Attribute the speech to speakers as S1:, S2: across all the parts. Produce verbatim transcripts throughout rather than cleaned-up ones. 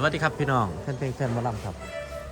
S1: วัสดีครับพี่น้องแฟนเพลงแฟนหมอลำครับ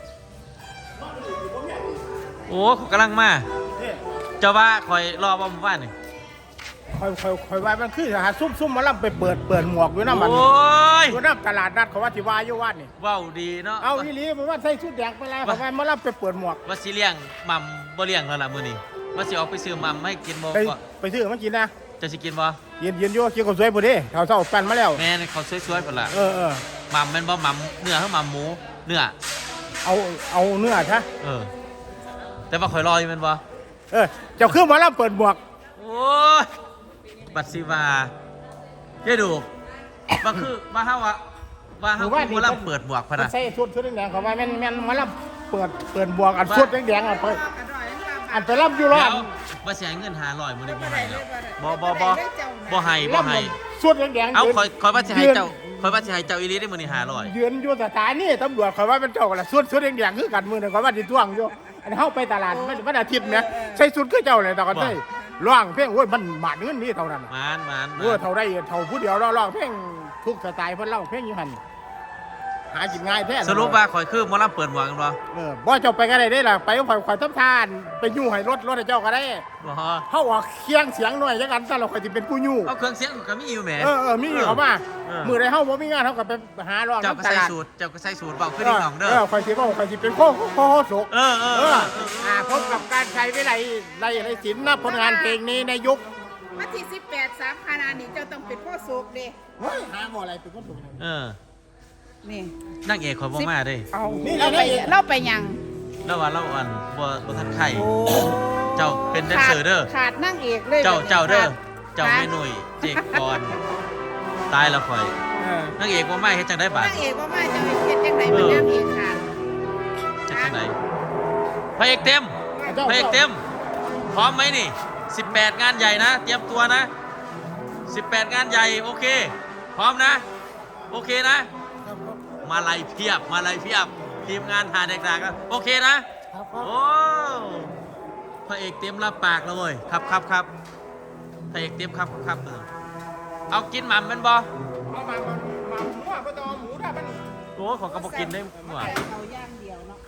S1: โอ้เขากำลังมาเจ้าว่าคอยรอบ่หมู่บ้านนี่
S2: คอยคอยคอยว่ามันคือหาซุ่มซุ่มมาล่ำไปเปิดเปิดหมวกอยู่น้ำมัน
S1: โอ้ย
S2: อยู่น้ำตลาดนัดเขาว่าที่ว่าอยู่วัดนี่
S1: ว้าวดีเนาะ
S2: เอาอีหลีมันว่าใส่ชุดแดงไปแล้วเขาว่ามาล่ำไปเปิดหมวก
S1: ว่าสิเลี้ยงมัมบ่เลี้ยงแล้วล่ะมื้อนี้ว่าสิออกไปซื้อมัมให้กินบ่
S2: ไป
S1: ก็
S2: ไปซื้อมากินนะ
S1: จะสิกินบ่
S2: เย็นเย็นโย่กินกับสวยพอดีเขาเศร้าปั่นมาแล้ว
S1: แม่นเขาสวยๆพุ่นล่ะ
S2: เออเออ
S1: มัมแม่นบ่มัมเนื้อเฮามัมหมูเนื้อ
S2: เอาเอาเนื้อซะ
S1: เออแต่ว่าข่อยรออยู่แม่นบ่
S2: เออเจ้าคือมาล่ำเปิดหมวก
S1: โอ้ยบัดสิว่าเจ้ดูว่าคือว่าเฮาว่าว่าเฮาคือบ่ล่ำเปิดหมวกพะนะ
S2: ใส่ชุดชุดแดงเขาว่าแม่นแม่นมาล่ำเปิดเปิดหมวกอันชุดแดงๆอ่ะไปอันไปล่ำอยู่รอด
S1: ว่าสิให้เงินห้าร้อยมื้อนี้บ่ให้แล้วบ่บ่บ่บ่ให้บ่ให้
S2: ชุดแดงๆ
S1: เอาคอยคอยว่าสิให้เจ้าคอยว่าสิให้เจ้าอีหลีได้มื้อนี้ห้าร้อย
S2: ยืนอยู่สถานีตำรวจเขาว่าเป็นเจ้าละชุดชุดแดงๆคือกันมื้อนึงเขาว่าสิท่วงอยู่อันเฮาไปตลาดมันวันอาทิตย์เนี่ยใส่ชุดคือเจ้าเลยตะกันได้ร้องเพลงโอ้ยมันหมาดเงินนี่เท่านั้น
S1: มานมาน
S2: เออเท่าได้เท่าผู้เดียวร้องเพลงทุกสไตล์เพิ่นร้องเพลงอยู่หั่นหากินง่ายแท้
S1: สรุปว่าข่อยคือหมอลำเปิดหมวกกันบ่
S2: เออบ่เจ้าไปก็ได้ได้ล่ะไปข่อยข่อยทำทานไปยู่ให้รถรถให้เจ้าก็ได้
S1: บ่
S2: เฮาออกเคียงเสียงหน่อยจังกันซะแล้วข่อยสิเป็นผู้ยู่
S1: เอาเครื่องเสียงก็มีอยู่แหม
S2: เออเออมีเขามามื้อใดเฮาบ่มีงานเฮาก็ไปหาร้อง
S1: เจ้าก็ใส่สูตรเจ้าก็ใส่สูตรเว้าคือดิ้งหนองเด้อ
S2: เออข่อยสิเว้าข่อยสิเป็นโคโคโฮโศก
S1: เออเออ
S2: อ่าพบกับการใช้วิไลไลไลศิลป์นะผลงานเพลงนี้ในยุค
S3: วันที่สิบแปดสามคณะนี้เจ้าต้องเป็นพ่อโศกเด้
S2: เฮ้ยหาบ่อะไรเป็นคนถูก
S1: เออ
S3: นี่
S1: นางเอกข่อยบ่มาเด้
S3: เอาเราไปเราไปยัง
S1: แล้วว่าเราอันบ่บ่ทันไข่เจ้าเป็นแดนเซอร์เด้อ
S3: ขาดนั่งเอกเลย
S1: เจ้าเจ้าเด้อเจ้าแม่หนุ่ยเจกกรตายแล้วข่อยนางเอกบ่มาเฮ็ดจังได๋บาด
S3: นั่งเอกว่ามาจะเฮ็ดจังได๋มันนั่งเอกขาด
S1: เฮ็ดจังได๋พระเอกเต็มพระเอกเต็มพร้อมไหมนี่สิบแปดงานใหญ่นะเตรียมตัวนะสิบแปดงานใหญ่โอเคพร้อมนะโอเคนะมาลัยเพียบมาลัยเพียบทีมงานหาเด็กๆก็โอเคนะโอ้พระเอกเต็มรับปากแล้วเว้ยครับครับครับพระเอกเต็มครับครับเอากินหม่ำเป็นบ่
S2: เอามาหมาหมูอ่ะบ่ต้องเอาหมูได้มัน
S1: โอ้ของกระบอกกินได้หว่า
S3: เอาย่างเดียวเนาะ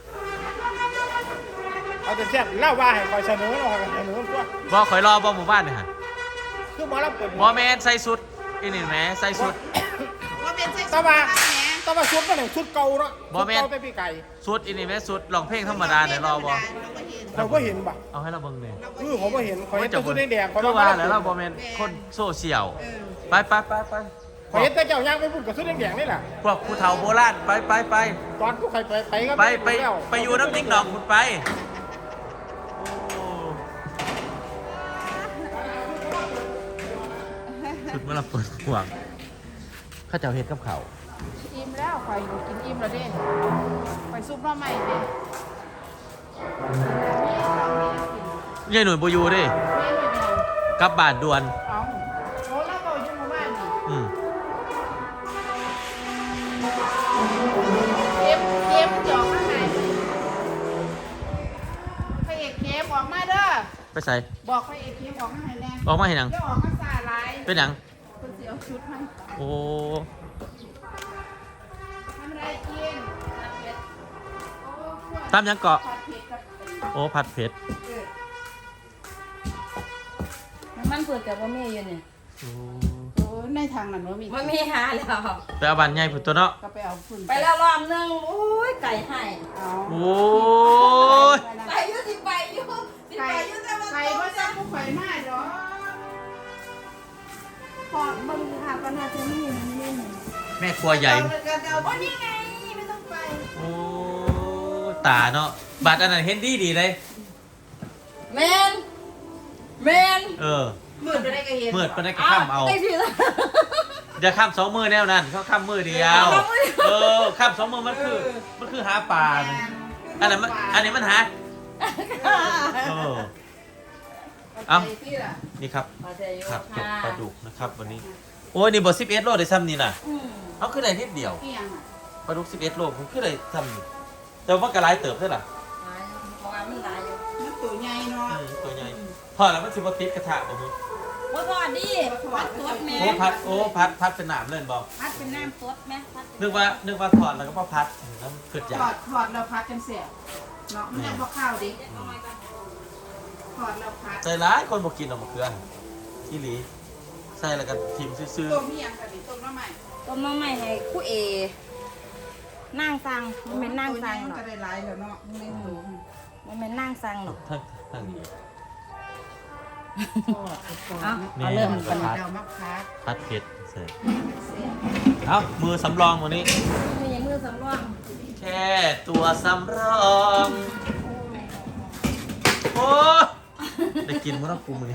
S2: เอาแต่แซ่บเล่าว่าให้คอยเสนอเราเสนอตัว
S1: บ่ข่อยรอบ่หมู่บ้านนี่ฮะ
S2: คือหมอลำเปิด
S1: บ่แม่นใส่สุดอีนี่แหมใส่สุด
S3: ว่าเป็นใส่
S2: ตะว่าตะว่าชุดมันชุดเก่าเนาะ
S1: บ่แม่น
S2: แต่พี่ไก่
S1: สุดอีนี่แหมสุดร้องเพลงธรรมดาได้รอบ่
S2: เราก็เห็นบ่
S1: เอาให้เราเบิ่งนี่
S2: เออผมก็เห็นข่อยเห็นแต่ชุดแดงๆข่อย
S1: ว่าแล้วเราบ่แม่นคนโซเชียลไปไปไปไป
S2: ข่อยเห็นแต่เจ้าย่างไปพูดกับชุดแดงๆนี่แหละ
S1: พวกผู้เฒ่าโบราณไปไปไป
S2: ตอนผู้ใครไปไปก็
S1: ไปไปไปอยู่น้ำติ๊กดอกคุณไปชุดเมื่อเราเปิดห่วงข้าเจ้าเฮ็ดกับเขา
S3: อิ่มแล้วข่อยกินอิ่มแล้วเด้ข่อยซุปหน่อไม้เด้
S1: ยายหนุ่ยบ่อยู่เด้กลับบ้านด่วน
S3: เอาโอ้เราบ่อยู่หมู่บ้านนี่
S1: อืม
S3: เกมเกมจอกข้างในพระเอกเกมออกมาเด้อ
S1: ไปใส่
S3: บอกพระเอกเกมออกมาให้แน่
S1: ออกมาให้หนัง
S3: เดี๋ยวออกมาซาลาย
S1: เป็นหนัง
S3: คนเสียวชุดให้
S1: โอ้
S3: ทำไรกิน
S1: ตามยังเกาะโอ้ผัดเผ็ด
S3: มันเปิดกับว่าแม่อยู่เนี่ยโอ้ในทางนั้นว่ามี
S4: มันมีหาแล้ว
S1: ไปเอาบันใหญ่ผุดตัวเนาะ
S3: ก็ไปเอาฝุ่น
S4: ไปแล้วรอบนึงโอ้ยไก่ให้
S1: โอ้ย
S4: ไปยุ่สิไปยุ่สิไปยุ่แต่ว่า
S3: ไก่ว่าจะผู้ไข่มากเหรอพอบังคับกันนะจะไม่เห็นไม่เห็น
S1: แม่ครัวใหญ่
S3: โอ้นี่ไงไม่ต้องไป
S1: โอ้ตาเนาะบัตรอันนั้นเห็นดีดีเลย
S4: แมนแมน
S1: เออ
S3: มืดไปได้ก็เห็น
S1: มืดไปได้ก็ข้ามเอาเดี๋ยวข้ามสองมือแนวนั้นเขาข้ามมือเดียวเออข้ามสองมือมันคือมันคือหาปลาอันนั้นอันนี้มันหาเออเอานี่ครับครับจบปลาดุกนะครับวันนี้โอ้ยนี่บอสิบเอ็ดโลได้ซ้ำนี่น่ะเขาคือได้นิดเดียวปลาดุกสิบเอ็ดโลผมคือได้ซ้ำแต่ว่ากระไรเติบได้หรอ
S3: มันตัวใหญ่เนาะ
S1: ตัวใหญ่พอแล้วมันสิบติดกระทะผม
S3: ว่าทอดดิพัดสดแม่
S1: โอ้พัดโอ้พัดพัดเป็นหนามเล่นบอก
S3: พัดเป็นน้ำสดแม่พัดเป็น
S1: นึกว่านึกว่าถอดแล้วก็พอพัดแล้วเกิดอยา
S5: ถอก ดถอดแล้วพัดกันเสียเนาะไม่เอาข้าวดิถอดแล้วพัด
S1: ใจร้ายคนบอกกินออกมาเกลือที่หลีใส่แล้วก็ทิมซื่อ
S5: ต้มเมียงกันดิต้มน้ำใหม่
S3: ต้มน้ำใหม่ให้คู่เอนั่งสั่งมันเป็นนั่งสั่งหรอก
S5: ก็ได้หลายแล้วเนาะไม่ถูก
S3: มันเป็นนั่งสั่งหรอก
S1: ๆทั้งทั้งนี้
S3: เอาเอาเริ่มกัน
S5: เดามักพัด
S1: พัดเผ็ดเสร็จเอามือสำรองวันนี้
S3: มือยังมือสำรอง
S1: แค่ตัวสำรอง โอ้ได้กินมั้งกูมือนี้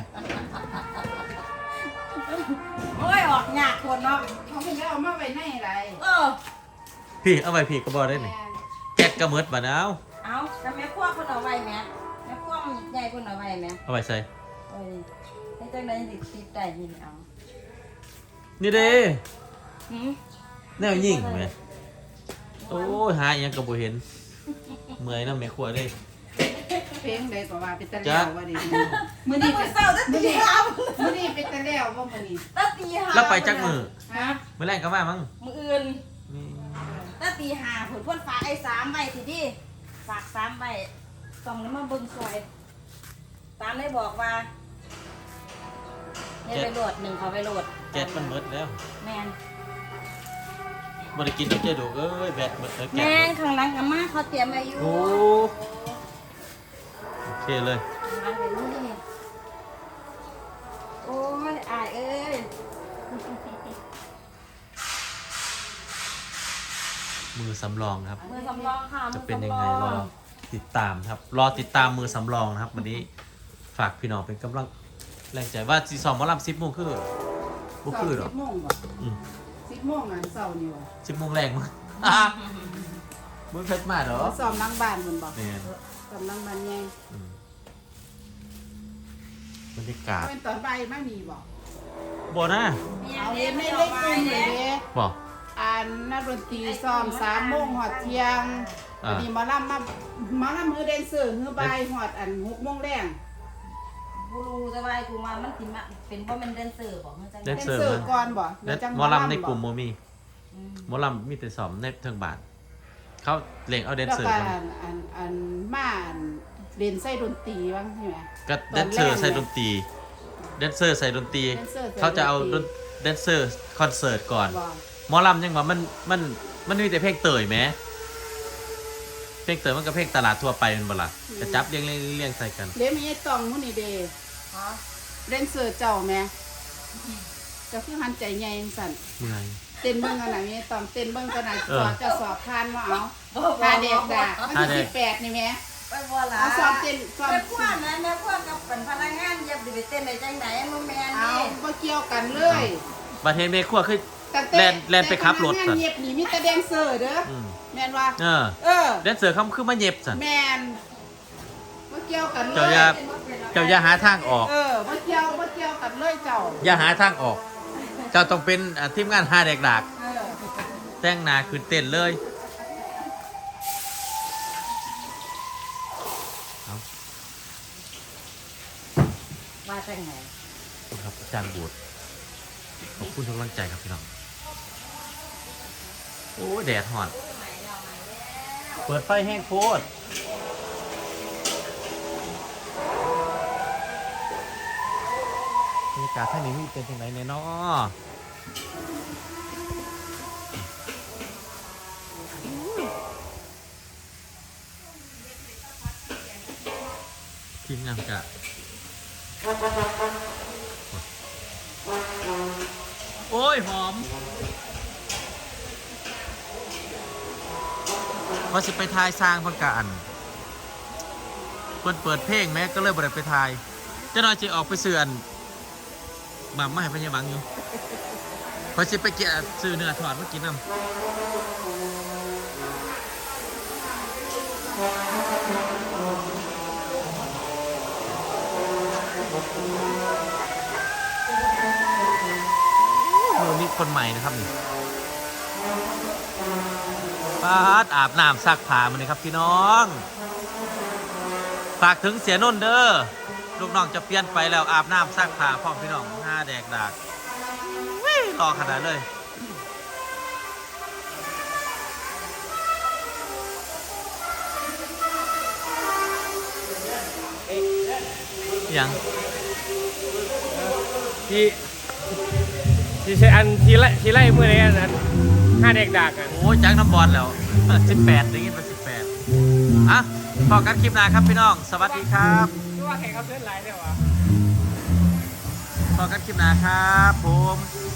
S3: โอ้ยออกหยากคนเนาะ
S5: เขาไม่ได้เอามาไว้ในอะไร
S3: เออ
S1: พี่เอาไปพี่ก็บอกได้หนิแก๊กกระเมิดบะนาว
S3: เอาแต่แม่พวกคนเอาไว้แม่แม่พวกใหญ่คนเอาไว้แม่
S1: เอาไปใส่
S3: เอ้ยให้จังไดสิติดได้ยินเอา
S1: นี่เด้
S3: หืม
S1: แนวยิ่งไหมโอ้ยหาอหยังกระโบเห็นเมื่อยน้ำแม่ขวดเลย
S5: เพลงใดก็ว่าเป็นตะเลี้ยวว่าดิมื้อ
S3: ตั้
S5: นี้
S3: งแต่
S5: เป็น
S3: เช้าตั้งแต่ห้า
S5: มื้อนี้เป็นตะเลี้ยวว่ามื้อนี้
S3: ตั้งตีห้า
S1: แล้วไปจักมือ
S5: ฮะ
S1: เมื่อแรงก็มามั้ง
S3: มืออื่น
S1: นี่
S3: ตั้งตีห้าผลพ่นฝากไอ้สามใบสิดิฝากสามใบต้องแล้วมาเบิ่งซอย ตามได้บอกว่าเนี่ยไปโหลดหนึ่งเขาไปโหลด
S1: แก๊สมันเมิดแล้ว
S3: แมน
S1: บ่ได้กินต้องเจดูเอ้ยแบตเมิดแล้ว
S3: แม
S1: แก๊ส
S3: นข้างหลังกับมาเขาเตรียมไว้อยู่
S1: โอ้โอเคเลย
S3: มาเดี๋ยวนี้โอ้ยอายเอ้ย
S1: มือสำรองครับ
S3: มือสำรองค่ะ
S1: จะ
S3: มือ
S1: เป็นยัง
S3: สำร
S1: ไง
S3: อง
S1: รอติดตามครับ รอติดตามมือสำรองนะครับ วันนี้ฝากพี่น้องเป็นกำลังแรงใจว่าซีซอมหมอลำสิบโมงคือบุคือหรอ
S5: สิบโมงบ่
S1: อืม
S5: สิบโมงอ่ะเช้านี่บ่
S1: สิบโมงแรงมั้งอ่ะมึงเพชรมาเหรอ
S5: เขาซ้อมหลังบ้านมันบ่
S1: เนี่ย
S5: ซ้อมหลังบ้านใหญ่
S1: อืมบรรยากาศ
S5: เป็นตอนบ่ายมานี่บ่
S1: บ่นะ
S5: เอาเห็นในเล็กกลุ่มเลยเด้
S1: บ่
S5: อ่านนักดนตรีซ้อมสามโมงหอดเที่ยง
S1: อ่า
S5: อันนี้หมาลำมาหมาลำมือแดนเซอร์มือบ่ายหอดอันหกโมงแรง
S3: กูรู้แต่ว่ากูมามันสิมาเป็นว่ามันแดนเซอร์บอกมันจัง
S1: แด
S5: แด
S1: น
S5: น
S1: เซอร์
S5: เซอร์ก่อนบ่
S1: และ
S5: จัง
S1: หมอลำในกลุ่ม
S5: บ่
S1: โมมี
S3: อืม
S1: หมอลำมีแต่สอมในเทิงบาท เขาเล่งเอาแดน
S5: แล้ว
S1: เซอร์
S5: ก็
S1: มา
S5: อันอันอันมาอันเล่นใส่ดนตรีบ้างใช่ไหม
S1: ก็แดนเซอร์ใส่ดนตรีแดนเซอร์ใส่ดนตรี
S5: แดนเซอร์ใส่
S1: เขาจะเอา
S5: ดนตรี
S1: แดนเซอร์คอนเสิร์ตก่อน
S5: บ่
S1: หมอลำยังว่ามันมันมันมีแต่เพลงเตยไหมเพลงเตยมันก็เพลงตลาดทั่วไปเป็นบ่ล่ะกระจับเรียงเรียงเรียงใส่กัน
S5: เดี๋ยวมีไอ้ตองมื้อนี้เด้
S3: ฮะ
S5: แดนเซอร์เจ้าแม่เจ้าคือหันใจใหญ่จังซั่น
S1: เมื่อย
S5: เต้นเบิ่งกันน่ะมีไอ้ตองเต้นเบิ่งกันน่ะ
S1: เอ
S5: ส
S1: อ
S5: อบจะสอบผ่านว่าเอาพาเด็กด่าวัน
S1: พาเด็
S5: ที่
S1: ก
S5: สิบแปดนี่แม่
S3: ไปบ่ล่ะ
S5: เอาสอบเต้นสอบ
S3: แม่พวกนะแม่พวกกับเป็นพนักงานเย็บดิไปเต้นได้จังไดมันแม่น
S5: เอา
S3: นี่
S5: บ่เกี่ยวกันเลย
S1: ประเทศเมฆขั้วคือ
S5: ตั้งต่
S1: แล่นแล่นไปขับรถ
S5: แต่
S1: สั
S5: พนัก
S1: น
S5: งานเย็บนี่มีแต่แดนเซอร์เด้ออ
S1: อืม
S5: แม่นว่า
S1: เออ
S5: เออ
S1: แดนเซอร์เขาคือมาเย็บสัน
S5: แม่นบ่เกี่ยวกันเลย
S1: เจ้าอย่าเจ้าอย่าหาทางออก
S5: เออบ่เกี่ยวบ่เกี่ยวกันเลยเจ้า
S1: อย่าหาทางออก เจ้าต้องเป็นอ่าทีมงานหาเด็กดาก
S5: เออ
S1: แต่งหนาขึ้นเต้นเลยเอา
S3: ว่าจังไง
S1: ครับอาจารย์บูดขอบคุณทุกกำลังใจครับพี่น้อง โอ้ยแดดหอน เปิดไฟแห้งโคตรบรรยากาศท่างนี้มีเป็นยังไงเนี่ยเนาะทีมงานกะโอ้ย หอมพอสิไปทายสร้างเพันกะอันเปิดเปิดเพลงแม้ก็เลยบ่ได้ไปทายเจ้าน้อยจะออกไปเสื่อนมาไม่ให้พญาบังอยู่พอสิไปเกี่ยซื้อเนื้อถอดมากินน้ำโอ้นี่คนใหม่นะครับนี่ปาดอาบน้ำซักผ้ามันเลยครับพี่น้องฝากถึงเสียนนท์เด้อลูกน้องจะเปลี่ยนไปแล้วอาบน้ำซักผ้าพร้อมพี่น้องหาแดกดากเว้ยรอขนาดเลยยัง
S6: ที่ที่ใช้อันที่ไล่ที่ไล่มือในอันนั้นห้าเด็กดักกัน
S1: โอ้ยจังน้ำบอลแล้ว สิบแปดได้ยินมาสิบแปดอ่ะพอกันคลิปหน้าครับพี่น้อง สวัสดีครับ
S6: รู้ว่าแข่งเขาเส้นไหลเนี่ยวะ
S1: พอกันคลิปหน้าครับผม